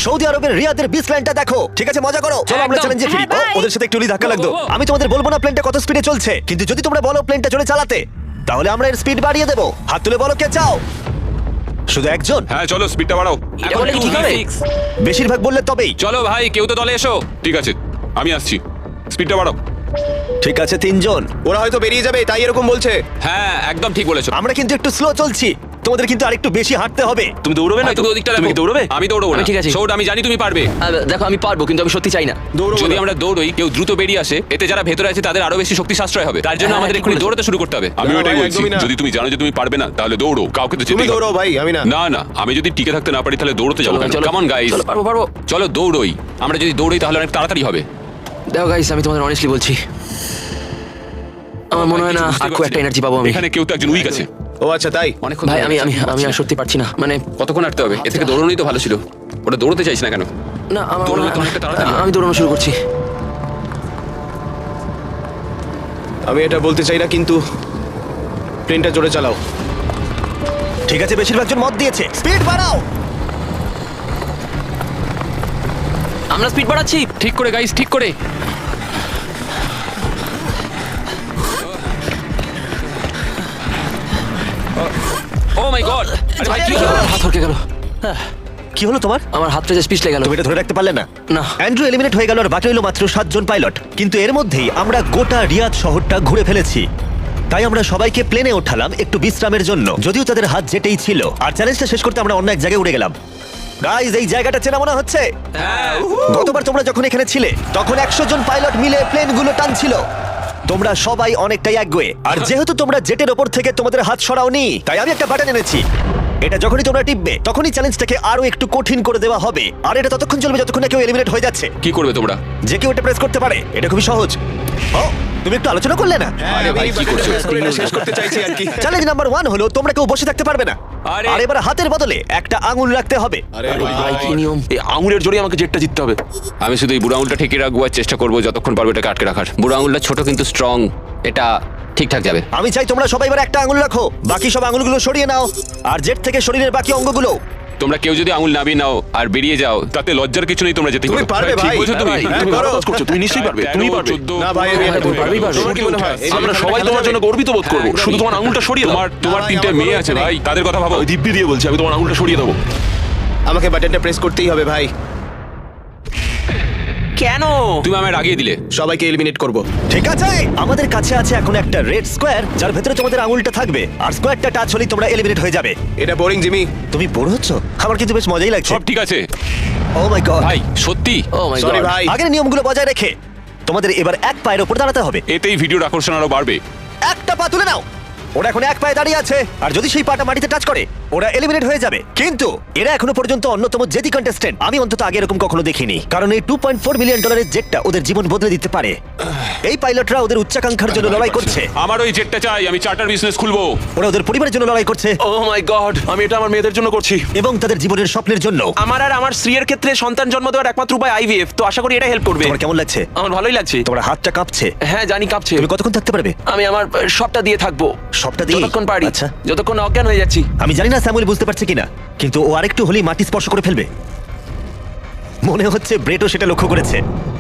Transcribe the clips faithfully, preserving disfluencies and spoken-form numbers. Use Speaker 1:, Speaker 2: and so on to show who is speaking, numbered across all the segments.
Speaker 1: Saudi আরবের রিয়াদের beach লাইনটা দেখো। ঠিক আছে, মজা করো। চলো আমরা
Speaker 2: একদম।
Speaker 1: চ্যালেঞ্জে ফিরি।
Speaker 2: হ্যাঁ,
Speaker 1: ও,
Speaker 2: bye.
Speaker 1: ওদের সাথে একটু ধাক্কা লাগতো।
Speaker 2: ও, ও, ও।
Speaker 1: আমি তোমাদের বলবো না প্লেনটা কত স্পিডে চলছে, কিন্তু যদি তোমরা বলো প্লেনটা জোরে চালাতে, তাহলে আমরা এর স্পিড বাড়িয়ে দেবো। হাত তুলে বলো কে চাও। শুধু একজন?
Speaker 3: হ্যাঁ চলো স্পিডটা বাড়াও।
Speaker 2: এটা বলে কি ঠিক হবে?
Speaker 1: বেশিরভাগ বললে তবেই।
Speaker 3: চলো ভাই, কেউ তো দলে এসো। ঠিক আছে, আমি আসছি। স্পিডটা বাড়াও।
Speaker 1: ঠিক আছে, তিনজন।
Speaker 4: ওরা হয়তো বেরিয়ে যাবে, তাই এরকম বলছে।
Speaker 3: হ্যাঁ একদম ঠিক বলেছো।
Speaker 1: আমরা কিন্তু একটু স্লো চলছি, তোমাদের কিন্তু আরেকটু বেশি হাঁটতে হবে।
Speaker 5: তুমি দৌড়বে না
Speaker 3: ভাই,
Speaker 5: তো?
Speaker 3: তুমি ওদিকটা
Speaker 5: তুমি
Speaker 3: দেখো।
Speaker 5: কি দৌড়বে?
Speaker 3: আমি দৌড়বো না।
Speaker 2: আমি ঠিক আছি।
Speaker 3: সৌড, আমি জানি তুমি পারবে।
Speaker 2: আহ, দেখো আমি পারবো, কিন্তু আমি সত্যি চাই না।
Speaker 4: দৌড়ো
Speaker 3: যদি
Speaker 4: ওরা।
Speaker 3: আমরা দৌড়ই, কেউ দ্রুত বেরিয়ে আসে, এতে যারা ভেতরে আছে তাদের আরো বেশি শক্তি সাশ্রয় হবে। তার জন্য
Speaker 2: হ্যাঁ,
Speaker 3: আমাদের
Speaker 2: ঠিক
Speaker 3: এক্ষুনি
Speaker 2: বলেছো।
Speaker 3: দৌড়াতে শুরু করতে হবে। আমি
Speaker 4: না,
Speaker 3: ওটাই
Speaker 4: ভাই,
Speaker 3: বলছি,
Speaker 4: একদমই না।
Speaker 3: যদি তুমি জানো যে তুমি পারবে না, তাহলে দৌড়ো। কাউকে তো
Speaker 4: তুমি
Speaker 3: যেতেই
Speaker 4: দৌড়ো
Speaker 3: হবে।
Speaker 4: ভাই, আমি না।
Speaker 3: না না, আমি যদি টিকে থাকতে না পারি তাহলে দৌড়তে যাবো
Speaker 2: চলো,
Speaker 3: কেন?
Speaker 2: চলো।
Speaker 3: কাম অন গাইস,
Speaker 2: চলো, পারবো পারবো।
Speaker 3: চলো দৌড়ই। আমরা যদি দৌড়ই তাহলে অনেক তাড়াতাড়ি হবে।
Speaker 2: দেখো গাইস, আমি তোমাদের অনেস্টলি বলছি, আমার মনে হয় না আর খুব একটা এনার্জি পাবো আমি।
Speaker 3: এখানে কেউ তো একজন উইক আছে।
Speaker 4: ও আচ্ছা, তাই?
Speaker 3: অনেকক্ষণ
Speaker 2: ভাই
Speaker 3: ধরে
Speaker 2: আমি আমি
Speaker 3: যাচ্ছি,
Speaker 2: আমি আর সত্যি পারছি না, মানে
Speaker 3: কতক্ষণ হাঁটতে হবে? এ থেকে দৌড়নোই তো ভালো ছিল। ওটা দৌড়তে চাইছ না কেন?
Speaker 2: না আমার
Speaker 3: দৌড়ানো
Speaker 2: মনে হয়-
Speaker 3: তো অনেকটা তাড়াতাড়ি।
Speaker 2: আমি দৌড়ানো শুরু করছি।
Speaker 4: আমি এটা বলতে চাই না, কিন্তু প্লেনটা জোরে চালাও।
Speaker 1: ঠিক আছে, বেশিরভাগ জন মত দিয়েছে। স্পিড বাড়াও।
Speaker 2: আমরা স্পিড বাড়াচ্ছি।
Speaker 3: ঠিক করে গাইস, ঠিক করে। Oh my god! আরে ভাই কি হলো?
Speaker 2: আমার হাত হরকে গেল।
Speaker 1: কি হলো তোমার?
Speaker 2: আমার হাতটা যে পিছলে গেল।
Speaker 1: তুমি এটা ধরে রাখতে পারলে না?
Speaker 2: না।
Speaker 1: অ্যান্ড্রু এলিমিনেট হয়ে গেল আর বাকি রইল মাত্র সাতজন পাইলট। কিন্তু এর মধ্যেই আমরা গোটা রিয়াদ শহরটা ঘুরে ফেলেছি। তাই আমরা সবাইকে প্লেনে ওঠালাম একটু বিশ্রামের জন্য, যদিও তাদের হাত যেতেই ছিল। আর চ্যালেঞ্জটা শেষ করতে আমরা অন্য এক জায়গায় উড়ে গেলাম। গাইজ, এই জায়গাটা চেনা মনে হচ্ছে।
Speaker 3: হ্যাঁ,
Speaker 1: গতবার তোমরা যখন এখানে ছিলে, তখন একশো জন পাইলট মিলে প্লেনগুলো টানছিল। তোমরা সবাই অনেকটাই একগুয়ে। আর যেহেতু তোমরা জেটের ওপর থেকে তোমাদের হাত সরাওনি, তাই আমি একটা বাটন এনেছি। এটা যখনই তোমরা টিপবে, তখনই চ্যালেঞ্জটাকে আরো একটু কঠিন করে দেওয়া হবে। আর এটা ততক্ষণ চলবে যতক্ষণ না কেউ এলিমিনেট হয়ে যাচ্ছে।
Speaker 3: কি করবে তোমরা?
Speaker 1: যে কেউ এটা প্রেস করতে পারে, এটা খুবই সহজ। ও, তুমি একটু আলোচনা করলে না?
Speaker 3: আরে ভাই, কি করছো?
Speaker 4: এটা শেষ করতে চাইছি আর কি।
Speaker 1: চ্যালেঞ্জ নাম্বার ওয়ান হলো তোমরা কেউ বসে থাকতে পারবে না।
Speaker 3: আরে-
Speaker 1: আর এবার হাতের বদলে একটা আঙুল রাখতে হবে।
Speaker 4: আরে
Speaker 2: ভাই কি নিয়ম?
Speaker 5: এই আঙুলের জোরে আমাকে জেটটা জিততে হবে।
Speaker 3: আমি শুধু এই বুড়ো আঙুলটা ঠেকে রাখবো আর চেষ্টা করবো যতক্ষণ পারবো এটাকে আটকে রাখার। বুড়ো আঙুলটা ছোট কিন্তু স্ট্রং, এটা ঠিকঠাক যাবে।
Speaker 1: আমি চাই তোমরা সবাই এবার একটা আঙুল রাখো, বাকি সব আঙুলগুলো সরিয়ে নাও। আর জেট থেকে শরীরের বাকি অঙ্গগুলো।
Speaker 3: তোমরা কেউ যদি আঙুল নামিয়ে নাও আর বেরিয়ে যাও, তাতে লজ্জার কিছু নেই, তোমরা যেতে
Speaker 4: তুমি পারবে
Speaker 3: ঠিক
Speaker 4: ভাই।
Speaker 3: বলছো তুমি?
Speaker 4: হ্যাঁ, ভাই,
Speaker 5: তুমি
Speaker 4: করো।
Speaker 5: ভালো কাজ করছো, তুমি নিশ্চয়ই পারবে, তুমি পারবে।
Speaker 4: না ভাই, আমি এটা
Speaker 2: তুমি
Speaker 4: করবো।
Speaker 2: পারবেই পারবে।
Speaker 4: তোমার কি মনে হয়? এই
Speaker 5: আমরা
Speaker 4: যে
Speaker 5: সবাই
Speaker 4: খেলা
Speaker 5: তোমার
Speaker 4: যাবে?
Speaker 5: জন্য গর্বিত বোধ করবো।
Speaker 3: হ্যাঁ,
Speaker 5: শুধু তোমার আঙুলটা সরিয়ে দাও।
Speaker 3: তোমার তোমার
Speaker 4: ভাই,
Speaker 3: তিনটে
Speaker 4: আমার
Speaker 3: মেয়ে
Speaker 4: কোনো
Speaker 3: আছে
Speaker 4: নেই।
Speaker 3: ভাই, তাদের কথা ভাবো।
Speaker 5: ওই দিব্যি দিয়ে বলছি, আমি তোমার আঙুলটা সরিয়ে দেবো।
Speaker 4: আমাকে বাটনটা প্রেস করতেই হবে ভাই।
Speaker 2: কেন?
Speaker 3: তুমি আমায় রাগিয়ে দিলে।
Speaker 4: সবাইকে এলিমিনেট করব।
Speaker 1: ঠিক আছে, আমাদের কাছে আছে এখন একটা রেড স্কোয়ার, যার ভেতরে তোমাদের আঙুলটা থাকবে। আর স্কোয়ারটা টাচ হলেই তোমরা এলিমিনেট হয়ে যাবে।
Speaker 4: এটা বোরিং জিমি।
Speaker 1: তুমি বোর হচ্ছ? আমার কিন্তু বেশ মজাই লাগছে।
Speaker 3: সব ঠিক আছে
Speaker 1: ও মাই গড।
Speaker 3: ভাই, সত্যি।
Speaker 2: Oh my
Speaker 4: sorry
Speaker 2: god.
Speaker 4: ভাই।
Speaker 1: আগের নিয়মগুলো বজায় রেখে তোমাদের এবার এক পায়ের উপর দাঁড়াতে হবে।
Speaker 3: এতেই ভিডিওর আকর্ষণ আরো বাড়বে।
Speaker 1: একটা পা তুলে নাও। ওরা এখন এক পায়ে দাঁড়িয়ে আছে, আর যদি সেই পাটা মাটিতে টাচ করে, ওরা এলিমিনেট হয়ে যাবে। কিন্তু এরা এখনো পর্যন্ত অন্যতম জেদি কন্টেস্টেন্ট। আমি অন্তত আগে এরকম কখনো দেখিনি, কারণ এই টু পয়েন্ট ফোর মিলিয়ন ডলারের জেটটা ওদের জীবন বদলে দিতে পারে। এই পাইলটরা ওদের উচ্চাকাঙ্ক্ষার জন্য লড়াই করছে।
Speaker 3: আমার ওই জেটটা চাই, আমি চার্টার বিজনেস খুলবো।
Speaker 1: ওরা ওদের পরিবারের জন্য লড়াই করছে,
Speaker 5: ও মাই গড, আমি এটা আমার মেয়েদের জন্য করছি।
Speaker 1: এবং তাদের জীবনের স্বপ্নের জন্য।
Speaker 5: আমার আর আমার স্ত্রীর ক্ষেত্রে সন্তান জন্ম দেওয়ার একমাত্র উপায় আইভিএফ, তো আশা করি এটা হেল্প করবে।
Speaker 1: তোমার কেমন লাগছে?
Speaker 5: আমার ভালোই লাগছে।
Speaker 1: তোমার হাতটা কাঁপছে।
Speaker 5: হ্যাঁ জানি কাঁপছে।
Speaker 1: তুমি কতক্ষণ থাকতে পারবে?
Speaker 5: আমি আমার সবটা দিয়ে থাকবো।
Speaker 1: সবটা দিয়ে?
Speaker 5: যতক্ষণ পারি,
Speaker 1: আচ্ছা।
Speaker 5: যতক্ষণ অজ্ঞান হয়ে যাচ্ছি।
Speaker 1: আমি জানি না স্যামুয়েল বুঝতে পারছে কিনা, কিন্তু ও আরেকটু হলেই মাটি স্পর্শ করে ফেলবে। মনে হচ্ছে ব্রেটও সেটা লক্ষ্য করেছে।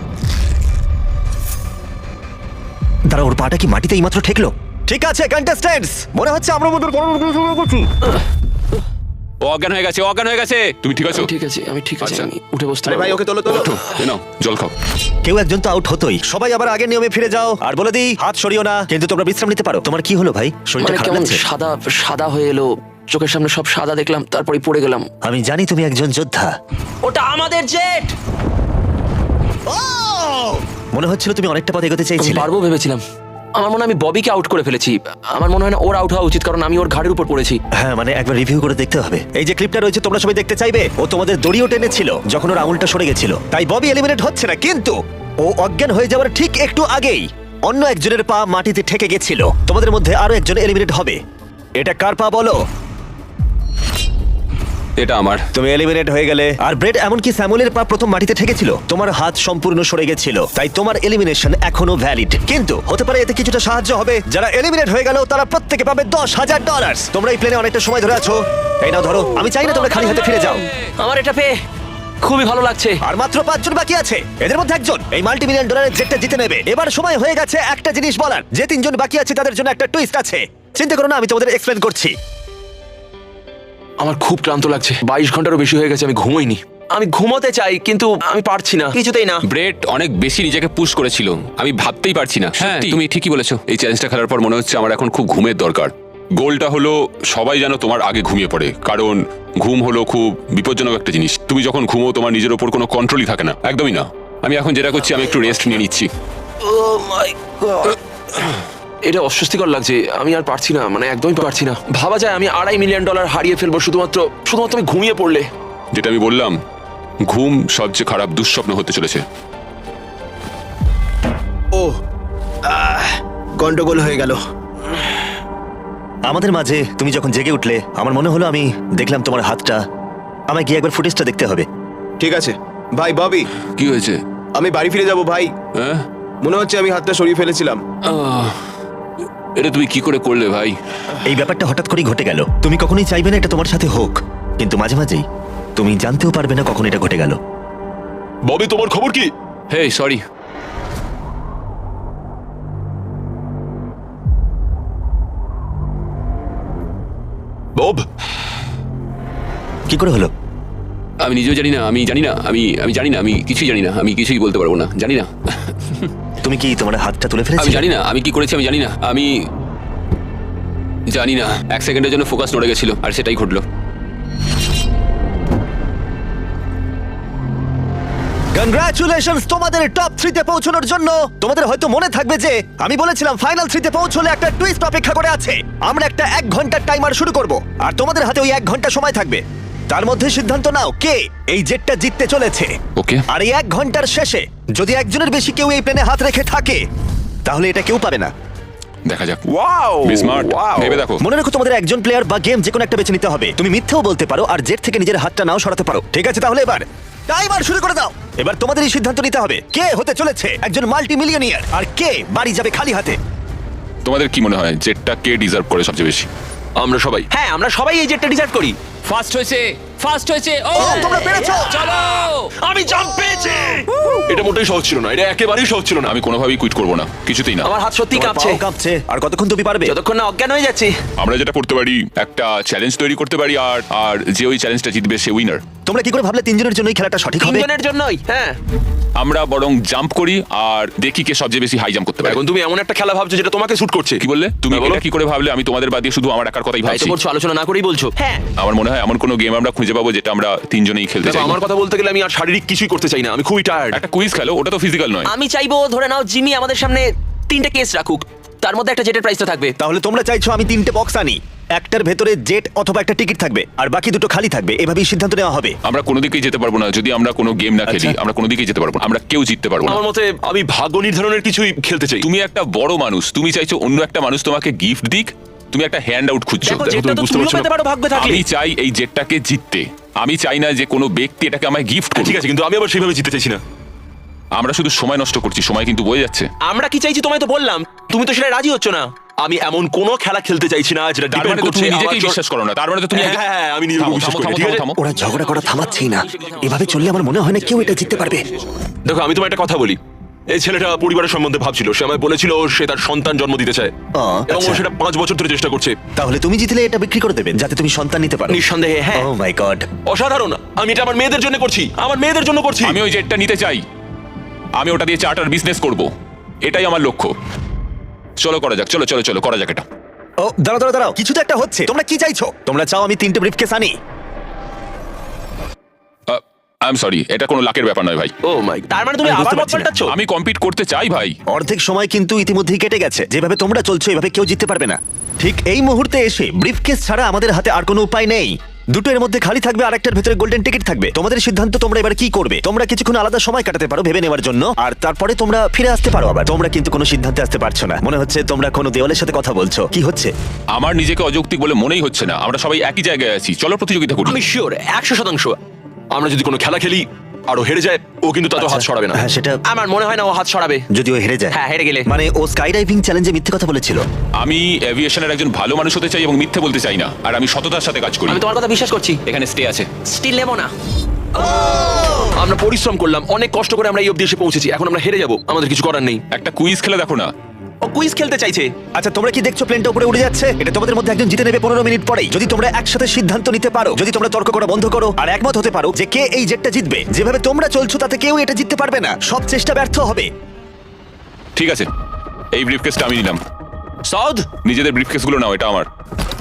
Speaker 1: দাঁড়া, ওর পাটা কি মাটিতে এইমাত্র ঠেকলো? ঠিক আছে কন্টেস্ট্যান্টস, মনে হচ্ছে আমরা আমাদের বড় করছি।
Speaker 3: ও অজ্ঞান হয়ে গেছে, ও অজ্ঞান হয়ে গেছে। তুমি ঠিক আছো?
Speaker 2: আমি ঠিক আছে, আমি ঠিক আছে,
Speaker 3: আচ্ছা।
Speaker 2: আমি উঠে বসতে
Speaker 4: আরে ভাই,
Speaker 2: পারবো।
Speaker 4: ওকে তোলো তোলো।
Speaker 3: ওঠো, এ নাও জল খাও।
Speaker 1: কেউ একজন তো আউট হতোই। সবাই আবার আগের নিয়মে ফিরে যাও। আর বলে দিই, হাত সরিও না, কিন্তু তোমরা বিশ্রাম নিতে পারো। তোমার কি হলো ভাই? শরীরটা
Speaker 2: মানে
Speaker 1: খারাপ
Speaker 2: কেমন
Speaker 1: লাগছে?
Speaker 2: সাদা সাদা হয়ে এলো, চোখের সামনে সব সাদা দেখলাম, তারপরে পড়ে গেলাম।
Speaker 1: আমি জানি তুমি একজন যোদ্ধা।
Speaker 2: ওটা আমাদের জেট।
Speaker 1: মনে হচ্ছিল তুমি অনেকটা পথ এগোতে
Speaker 2: আমি
Speaker 1: চাইছিলে।
Speaker 2: পারবো ভেবেছিলাম। আমার মনে হয় আমি ববিকে আউট করে ফেলেছি। আমার মনে হয় না ওর আউট হওয়া উচিত, কারণ আমি ওর ঘাড়ের উপর পড়েছি।
Speaker 1: হ্যাঁ, মানে একবার রিভিউ করে দেখতে হবে। এই যে ক্লিপটা রয়েছে, তোমরা সবাই দেখতে চাইবে। ও তোমাদের দড়িও টেনেছিল যখন ওর আঙুলটা সরে গেছিল। তাই ববি এলিমিনেট হচ্ছে না, কিন্তু ও অজ্ঞান হয়ে যাওয়ার ঠিক একটু আগেই অন্য একজনের পা মাটিতে ঠেকে গেছিল। তোমাদের মধ্যে আরো একজন এলিমিনেট হবে। এটা কার পা বলো?
Speaker 3: এটা আমার।
Speaker 1: তুমি এলিমিনেট হয়ে গেলে। আর ব্রেড, এমনকি স্যামুয়েলের পা প্রথম মাটিতে ঠেকেছিল, তোমার হাত সম্পূর্ণ সরে গেছিল। তাই তোমার এলিমিনেশন এখনো ভ্যালিড। কিন্তু হতে পারে এতে কিছুটা সাহায্য হবে। যারা এলিমিনেট হয়ে গেল তারা প্রত্যেকে পাবে দশ হাজার ডলার। তোমরা এই প্লেনে অনেকটা সময় ধরে আছো, এই নাও ধরো। আমি চাই না তোমরা খালি হাতে ফিরে যাও।
Speaker 2: আমার এটা পেয়ে খুবই ভালো লাগছে।
Speaker 1: আর মাত্র পাঁচজন বাকি আছে, এদের মধ্যে একজন এই মাল্টি মিলিয়ন ডলারের জেটটা জিতে নেবে। এবার সময় হয়ে গেছে একটা জিনিস বলার, যে তিনজন বাকি আছে তাদের জন্য একটা টুইস্ট আছে। চিন্তা করো না, আমি তোমাদের এক্সপ্লেন করছি।
Speaker 2: আমার খুব ক্লান্ত লাগছে, বাইশ ঘন্টারও বেশি হয়ে গেছে, আমি ঘুমোইনি। আমি ঘুমোতে চাই কিন্তু আমি পারছি না, কিছুতেই না।
Speaker 3: ব্রেট অনেক বেশি নিজেকে পুশ করেছিল, আমি ভাবতেই পারছি না। হ্যাঁ তুমি ঠিকই বলেছো, এই চ্যালেঞ্জটা খেলার পর মনে হচ্ছে আমার এখন খুব ঘুমের দরকার। গোলটা হলো সবাই যেন তোমার আগে ঘুমিয়ে পড়ে, কারণ ঘুম হলো খুব বিপজ্জনক একটা জিনিস। তুমি যখন ঘুমো তোমার নিজের ওপর কোনো কন্ট্রোলই থাকে না, একদমই না। আমি এখন যেটা করছি, আমি একটু রেস্ট নিয়ে নিচ্ছি।
Speaker 2: Oh my God! এটা অস্বস্তিকর লাগছে, আমি আর পারছি না, মানে একদমই পারছি না। ভাবা যায় আমি আড়াই মিলিয়ন ডলার হারিয়ে ফেলবো শুধুমাত্র শুধুমাত্র আমি ঘুমিয়ে পড়লে।
Speaker 3: যেটা আমি বললাম, ঘুম সবচেয়ে খারাপ দুঃস্বপ্ন হতে চলেছে।
Speaker 4: ও আহ, গন্ডগোল হয়ে গেল।
Speaker 1: আমাদের মাঝে তুমি যখন জেগে উঠলে, আমার মনে হলো আমি দেখলাম তোমার হাতটা। আমায় গিয়ে একবার ফুটেজটা দেখতে হবে।
Speaker 4: ঠিক আছে ভাই ববি,
Speaker 3: কি হয়েছে?
Speaker 4: আমি বাড়ি ফিরে যাব ভাই।
Speaker 3: হ্যাঁ
Speaker 4: মনে হচ্ছে আমি হাতটা সরিয়ে ফেলেছিলাম।
Speaker 3: আহ, এটা তুমি কি করে করলে ভাই?
Speaker 1: এই ব্যাপারটা হঠাৎ করেই ঘটে গেল। তুমি কখনোই চাইবে না এটা তোমার সাথে হোক, কিন্তু মাঝে মাঝেই তুমি জানতেও পারবে না কখন এটা ঘটে গেল।
Speaker 5: ববি তোমার খবর কি?
Speaker 3: হে সরি।
Speaker 5: বব,
Speaker 1: কি করে হলো?
Speaker 3: আমি নিজেও জানি না, আমি জানি না, আমি আমি জানি না, আমি কিছুই জানি না, আমি কিছুই বলতে পারবো না, জানি না।
Speaker 1: তুমি কি তোমার হাতটা তুলে
Speaker 3: আমি
Speaker 1: ফেলেছিলে?
Speaker 3: জানি না আমি কি করেছি, আমি জানি না, আমি জানি না। এক সেকেন্ডের জন্য ফোকাস নড়ে গেছিল আর সেটাই ঘটলো।
Speaker 1: কনগ্রাচুলেশনস তোমাদের টপ থ্রিতে পৌঁছানোর জন্য। তোমাদের হয়তো মনে থাকবে যে আমি বলেছিলাম ফাইনাল থ্রিতে পৌঁছলে একটা টুইস্ট অপেক্ষা করে আছে। আমরা একটা এক ঘন্টার টাইমার শুরু করব, আর তোমাদের হাতে ওই এক ঘন্টা সময় থাকবে। তার মধ্যে সিদ্ধান্ত নাও কে এই জেটটা জিততে চলেছে।
Speaker 3: ওকে।
Speaker 1: আর এই এক ঘন্টার শেষে যদি একজনের বেশি কেউ এই প্লেনে হাত রেখে থাকে, তাহলে এটা কেউ পাবে না।
Speaker 3: দেখা যাক।
Speaker 5: ওয়াও
Speaker 3: Be smart,
Speaker 5: ওয়াও
Speaker 3: ভেবে দেখো।
Speaker 1: মনে রেখো, তোমাদের একজন প্লেয়ার বা গেম যে কোনো একটা বেছে নিতে হবে। তুমি মিথ্যেও বলতে পারো আর জেট থেকে নিজের হাতটা নাও সরাতে পারো। ঠিক আছে, তাহলে এবার টাইমার শুরু করে দাও। এবার তোমাদেরই সিদ্ধান্ত নিতে হবে কে হতে চলেছে একজন মাল্টি মিলিয়নিয়ার আর কে বাড়ি যাবে খালি হাতে।
Speaker 3: তোমাদের কি মনে হয় জেটটা কে ডিজার্ভ করে সবচেয়ে বেশি?
Speaker 5: আমরা সবাই।
Speaker 2: হ্যাঁ, আমরা সবাই এই জেটটা ডিজার্ভ করি।
Speaker 3: ফার্স্ট হয়েছে, ফার্স্ট হয়েছে। ও
Speaker 1: ও, তোমরা পেরেছো।
Speaker 3: চলো।
Speaker 5: আমি জাম্প পেয়েছি। এটা মোটেই সহজ ছিল না, এটা একেবারেই সহজ ছিল না।
Speaker 3: আমি কোনোভাবেই কুইট করবো না, কিছুতেই না।
Speaker 2: আমার হাত সত্যি
Speaker 1: তোমার
Speaker 2: কাঁপছে।
Speaker 1: পাও কাঁপছে। আর কতক্ষণ তুমি পারবে?
Speaker 2: যতক্ষণ না অজ্ঞান হয়ে যাচ্ছি।
Speaker 3: আমরা যেটা করতে পারি, একটা চ্যালেঞ্জ তৈরি করতে পারি, আর আর যে ওই চ্যালেঞ্জটা জিতবে সে উইনার।
Speaker 1: তোমরা কি করে ভাবলে তিনজনের জন্যই খেলাটা সঠিক হবে?
Speaker 2: তিনজনের জন্যই। হ্যাঁ,
Speaker 3: আমরা বরং জাম্প করি আর দেখি কে সবচেয়ে বেশি হাই জাম্প করতে পারে।
Speaker 5: এখন তুমি এমন একটা খেলা ভাবছো যেটা তোমাকে শুট করছে।
Speaker 3: কি বললে তুমি?
Speaker 5: হ্যাঁ, বলো।
Speaker 3: এটা কি করে ভাবলে? আমি তোমাদের বাদ দিয়ে শুধু আমার একার কথাই
Speaker 2: তাই তো
Speaker 3: ভাবছি।
Speaker 2: বলছো, আলোচনা না করেই বলছো। হ্যাঁ,
Speaker 3: আমার মনে হয় এমন কোনো গেম আমরা খুঁজে পাবো যেটা আমরা তিনজনেই খেলতে
Speaker 5: দেখো,
Speaker 3: চাই।
Speaker 5: আমার কথা বলতে গেলে আমি আর শারীরিক কিছুই করতে চাই না, আমি খুবই টায়ার্ড।
Speaker 3: একটা কুইজ খেলো, ওটা তো ফিজিক্যাল নয়।
Speaker 2: আমি চাইবো ধরে নাও জিমি আমাদের সামনে তিনটে কেস রাখুক, তার মধ্যে একটা জেটের প্রাইসটা থাকবে।
Speaker 1: তাহলে তোমরা চাইছো আমি তিনটে বক্স আনি, একটার ভেতরে জেট অথবা একটা টিকিট থাকবে আর বাকি দুটো খালি থাকবে, এভাবেই সিদ্ধান্ত নেওয়া হবে।
Speaker 3: আমরা কোনো দিকেই যেতে পারবো না যদি আমরা কোনো গেম না খেলি।
Speaker 1: আচ্ছা।
Speaker 3: আমরা কোনো দিকেই যেতে পারবো না, আমরা কেউ জিততে পারবো না।
Speaker 5: আমার মতে আমি ভাগ্য নির্ধারণের কিছুই খেলতে চাই।
Speaker 3: তুমি একটা বড় মানুষ, তুমি চাইছো অন্য একটা মানুষ তোমাকে গিফট দিক, তুমি একটা হ্যান্ড আউট খুঁজছো।
Speaker 2: দেখো,
Speaker 5: দেখো,
Speaker 2: জেটটা
Speaker 5: তুমি
Speaker 2: তো
Speaker 5: বুঝতে
Speaker 2: তুমিও
Speaker 5: পারছো না।
Speaker 2: পেতে পারো ভাগ্যে থাকলে।
Speaker 3: আমি চাই এই জেটটাকে জিততে, আমি চাই না যে কোনো ব্যক্তি এটাকে আমায় গিফট
Speaker 5: হ্যাঁ,
Speaker 3: করুক।
Speaker 5: ঠিক আছে, কিন্তু আমি আবার সেইভাবে জিততে চাইছি না।
Speaker 3: আমরা শুধু সময় নষ্ট করছি, সময় কিন্তু বয়ে যাচ্ছে।
Speaker 2: আমরা কি চাইছি তোমায় তো বললাম, তুমি তো সেটা রাজি হচ্ছ না।
Speaker 5: আমি এমন কোনো খেলা খেলতে চাইছি না যেটা
Speaker 3: তার
Speaker 5: ডিপেন্ড
Speaker 3: মানে তো
Speaker 5: করছে
Speaker 3: তুমি
Speaker 5: আমার
Speaker 3: নিজেকেই
Speaker 5: জ-
Speaker 3: বিশ্বাস করো না, তার মানে তো তুমি
Speaker 5: হ্যাঁ, হ্যাঁ, হ্যাঁ, আমি নিজেকে
Speaker 3: থামো,
Speaker 5: বিশ্বাস
Speaker 3: থামো,
Speaker 5: করি,
Speaker 3: থামো,
Speaker 5: ঠিক আছে?
Speaker 3: থামো।
Speaker 1: ওরা ঝগড়া করা থামাচ্ছেই না, এভাবে চললে আমার মনে হয় না কেউ এটা জিততে পারবে।
Speaker 5: দেখো, আমি তোমার একটা কথা বলি। এই ছেলেটা পরিবারের সম্বন্ধে ভাবছিল, সে আমায় বলেছিল সে তার সন্তান জন্ম দিতে চায়,
Speaker 1: ও,
Speaker 5: এবং ও
Speaker 1: আচ্ছা।
Speaker 5: সেটা পাঁচ বছর ধরে চেষ্টা করছে।
Speaker 1: তাহলে তুমি জিতলে এটা বিক্রি করে দেবেন যাতে তুমি সন্তান নিতে পারো।
Speaker 2: নিঃসন্দেহে হ্যাঁ।
Speaker 1: Oh my god.
Speaker 5: অসাধারণ। আমি এটা আমার মেয়েদের জন্য করছি, আমার মেয়েদের জন্য করছি।
Speaker 3: আমি ওই জেটটা নিতে চাই, আমি ওটা দিয়ে চার্টার বিজনেস করব, এটাই আমার লক্ষ্য। চলো করা যাক, চলো চলো চলো করা যাক এটা।
Speaker 1: ও দাঁড়াও দাঁড়াও দাঁড়াও, কিছু তো একটা হচ্ছে। তোমরা কি চাইছো? তোমরা চাও আমি তিনটে ব্রিফকেস আনি?
Speaker 3: আই এম সরি, এটা কোনো লাকের ব্যাপার নয় ভাই।
Speaker 5: ও মাই,
Speaker 2: তার মানে তুমি
Speaker 1: আমি বুঝতে
Speaker 2: আবার মত
Speaker 1: পারছি না।
Speaker 2: পাল্টাচ্ছ?
Speaker 3: আমি কম্পিট করতে চাই ভাই।
Speaker 1: অর্ধেক সময় কিন্তু ইতিমধ্যেই কেটে গেছে। যেভাবে তোমরা চলছো এভাবে কেউ জিততে পারবে না। ঠিক এই মুহূর্তে এসে ব্রিফকেস ছাড়া আমাদের হাতে আর কোনো উপায় নেই। দুটো এর মধ্যে খালি থাকবে আর একটার ভেতরে গোল্ডেন টিকিট থাকবে। তোমাদের সিদ্ধান্ত, তোমরা এবার কি করবে। তোমরা কিছুক্ষণ আলাদা সময় কাটাতে পারো ভেবে নেওয়ার জন্য, আর তারপরে তোমরা ফিরে আসতে পারো আবার। তোমরা কিন্তু কোনো সিদ্ধান্তে আসতে পারছো না, মনে হচ্ছে তোমরা কোনো দেওয়ালের সাথে কথা বলছো। কি হচ্ছে?
Speaker 3: আমার নিজেকে অযৌক্তিক বলে মনেই হচ্ছে না, আমরা সবাই একই জায়গায় আছি। চলো প্রতিযোগিতা করি।
Speaker 5: আমি শিওর একশো শতাংশ আমরা যদি কোনো খেলা খেলি আর ও হেরে যায়, ও কিন্তু তাতে হাত সরাবে না।
Speaker 1: হ্যাঁ, সেটা
Speaker 2: আমার মনে হয় না ও হাত সরাবে।
Speaker 1: যদি ও হেরে যায়।
Speaker 2: হ্যাঁ, হেরে গেলে।
Speaker 1: মানে ও স্কাই ডাইভিং চ্যালেঞ্জে মিথ্যে কথা বলেছিল।
Speaker 3: আমি এভিয়েশনের একজন ভালো মানুষ হতে চাই এবং মিথ্যে বলতে চাই না, আর আমি সততার সাথে কাজ করি।
Speaker 2: আমি তোমার কথা বিশ্বাস করছি।
Speaker 3: এখানে স্টে আছে।
Speaker 2: স্টিল নেবো না। আমরা পরিশ্রম করলাম, অনেক কষ্ট করে আমরা এই অবধি এসে পৌঁছেছি, এখন আমরা হেরে যাব, আমাদের কিছু করার নেই।
Speaker 3: একটা কুইজ খেলে দেখো না।
Speaker 2: ও কুইজ খেলতে চাইছে।
Speaker 1: আচ্ছা তোমরা কি দেখছো প্লেনটা উপরে উড়ে যাচ্ছে? এটা তোমাদের মধ্যে একজন জিতে নেবে পনেরো মিনিট পরেই, যদি তোমরা একসাথে সিদ্ধান্ত নিতে পারো, যদি তোমরা তর্ক করা বন্ধ করো আর একমত হতে পারো যে কে এই জেটটা জিতবে। যেভাবে তোমরা চলছো তাতে কেউ এটা জিততে পারবে না, সব চেষ্টা ব্যর্থ হবে।
Speaker 3: ঠিক আছে, এই ব্রিফকেসটা আমি নিলাম।
Speaker 2: সাউদ,
Speaker 3: নিজেদের ব্রিফকেসগুলো নাও, এটা আমার।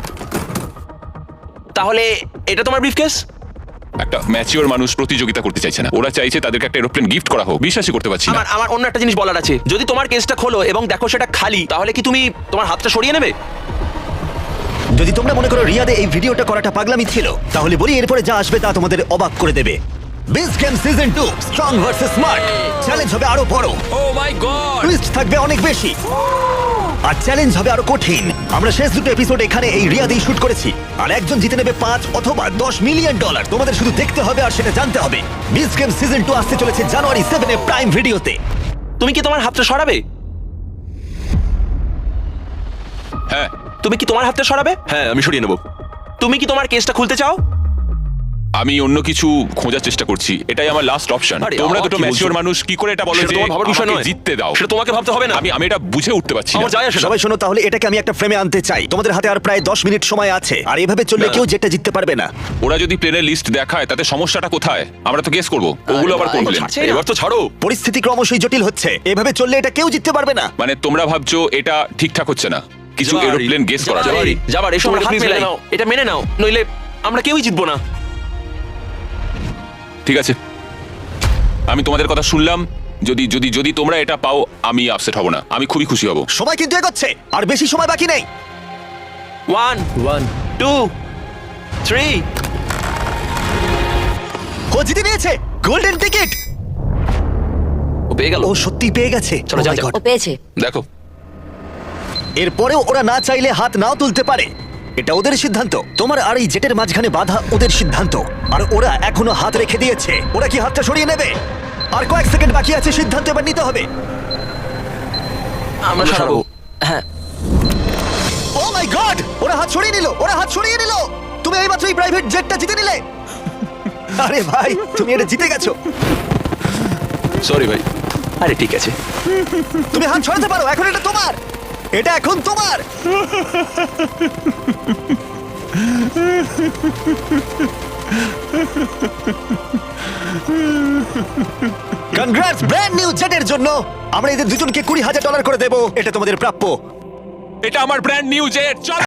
Speaker 2: তাহলে এটা তোমার ব্রিফকেস?
Speaker 3: একটা ম্যাচিওর মানুষ প্রতিযোগিতা করতে চাইছে না, ওরা চাইছে তাদেরকে একটা এরোপ্লেন গিফট করা হোক। বিশ্বাসই করতে পারছি না।
Speaker 2: আমার আমার অন্য একটা জিনিস বলার আছে, যদি তোমার কেসটা খোলো এবং দেখো সেটা খালি, তাহলে কি তুমি তোমার হাতটা সরিয়ে নেবে?
Speaker 1: যদি তোমরা মনে করো রিয়াদে এই ভিডিওটা করাটা পাগলামি ছিল, তাহলে বলি এরপরে যা আসবে তা তোমাদের অবাক করে দেবে। Beach game season two strong versus smart challenge হবে আরো বড়।
Speaker 2: ও মাই গড,
Speaker 1: টুইস্ট থাকবে অনেক বেশি আর চ্যালেঞ্জ হবে আরো কঠিন। আমরা শেষ দুটো এপিসোড এখানে এই রিয়াদেই শুট করেছি, আর একজন জিতে নেবে পাঁচ অথবা দশ মিলিয়ন ডলার। তোমাদের শুধু দেখতে হবে আর সেটা জানতে হবে। বিচ গেম সিজন টু আসতে চলেছে জানুয়ারি সেভেন এ প্রাইম ভিডিওতে।
Speaker 2: তুমি কি তোমার হাতটা সরাবে?
Speaker 3: হ্যাঁ,
Speaker 2: তুমি কি তোমার হাতটা সরাবে?
Speaker 5: হ্যাঁ, আমি সরিয়ে নেবো।
Speaker 2: তুমি কি তোমার কেসটা খুলতে চাও?
Speaker 3: আমি অন্য কিছু খোঁজার চেষ্টা করছি, এটাই আমার লাস্ট অপশন।
Speaker 2: আরে,
Speaker 3: তোমরা
Speaker 2: আবার
Speaker 3: দুটো
Speaker 2: কি
Speaker 3: ম্যাচিওর
Speaker 2: বলছো?
Speaker 3: মানুষ কি করে এটা বলো
Speaker 2: সেটা
Speaker 3: যে
Speaker 2: তোমার ভাবার বিষয়
Speaker 3: আমাকে
Speaker 2: নয়।
Speaker 3: জিততে দাও?
Speaker 2: সেটা তোমাকে ভাবতে হবে না।
Speaker 3: আমি আমি এটা বুঝে উঠতে পারছি না।
Speaker 2: আমার যায় আসে না।
Speaker 1: সবাই শোনো, তাহলে এটাকে আমি একটা ফ্রেমে আনতে চাই। তোমাদের হাতে আর প্রায় দশ মিনিট সময় আছে, আর এভাবে চললে
Speaker 2: না।
Speaker 1: কেউ যেটা জিততে পারবে না।
Speaker 3: ওরা যদি প্লেনের লিস্ট দেখায় তাতে সমস্যাটা কোথায়? আমরা তো গেস করবো ওগুলো আবার কোন প্লেন।
Speaker 2: ছাড়ছে।
Speaker 5: এবার তো ছাড়ো।
Speaker 1: পরিস্থিতি ক্রমশই জটিল হচ্ছে, এভাবে চললে এটা কেউ জিততে পারবে না।
Speaker 3: মানে তোমরা ভাবছো এটা ঠিকঠাক হচ্ছে না, কিছু
Speaker 5: যাবার,
Speaker 3: এরোপ্লেন গেস করা
Speaker 2: যাবার,
Speaker 3: যায়।
Speaker 2: যাবার, এসো আমরা
Speaker 5: তোমরা
Speaker 2: হাত
Speaker 5: please
Speaker 2: মেলে
Speaker 5: মেনে
Speaker 2: নাও, এটা মেনে নাও, নইলে আমরা কেউই জিতবো না।
Speaker 3: ঠিক আছে, আমি তোমাদের কথা শুনলাম। যদি যদি যদি তোমরা এটা পাও আমি আপসেট হব না, আমি খুবই খুশি হব।
Speaker 1: সময় কিন্তু এগোচ্ছে, আর বেশি সময় বাকি নেই।
Speaker 2: One,
Speaker 4: one
Speaker 2: two, three.
Speaker 1: ও জিতে নিয়েছে গোল্ডেন টিকিট।
Speaker 2: ও পেয়ে গেল।
Speaker 1: ও সত্যি পেয়ে গেছে।
Speaker 2: চলো,
Speaker 1: Oh
Speaker 2: যাও,
Speaker 1: my
Speaker 2: যাও।
Speaker 1: God!
Speaker 6: ও পেয়েছে।
Speaker 3: দেখো,
Speaker 1: এরপরেও ওরা না চাইলে হাত নাও তুলতে পারে, এটা ওদের সিদ্ধান্ত। তোমার আর এই জেটের মাঝখানে বাধা ওদের সিদ্ধান্ত, আর ওরা এখনো হাত রেখে দিয়েছে। ওরা কি হাতটা সরিয়ে নেবে? আর কয়েক সেকেন্ড বাকি আছে, সিদ্ধান্ত এবার নিতে হবে।
Speaker 2: আমরা সরাবো। হ্যাঁ,
Speaker 1: ও মাই গড, ওরা হাত সরিয়ে নিল, ওরা হাত সরিয়ে নিল। তুমি এইমাত্র এই প্রাইভেট জেটটা জিতে নিলে। আরে ভাই, তুমি এটা জিতে গেছো।
Speaker 2: সরি ভাই। আরে ঠিক আছে।
Speaker 1: তুমি হাত ছড়াতে পারো, এখন এটা তোমার, এটা এখন তোমার। কনগ্রাটস ব্র্যান্ড নিউ জেটের জন্য। আমরা এদের দুজনকে কুড়ি হাজার ডলার করে দেবো, এটা তোমাদের প্রাপ্য।
Speaker 3: এটা আমার ব্র্যান্ড নিউ জেট। চল।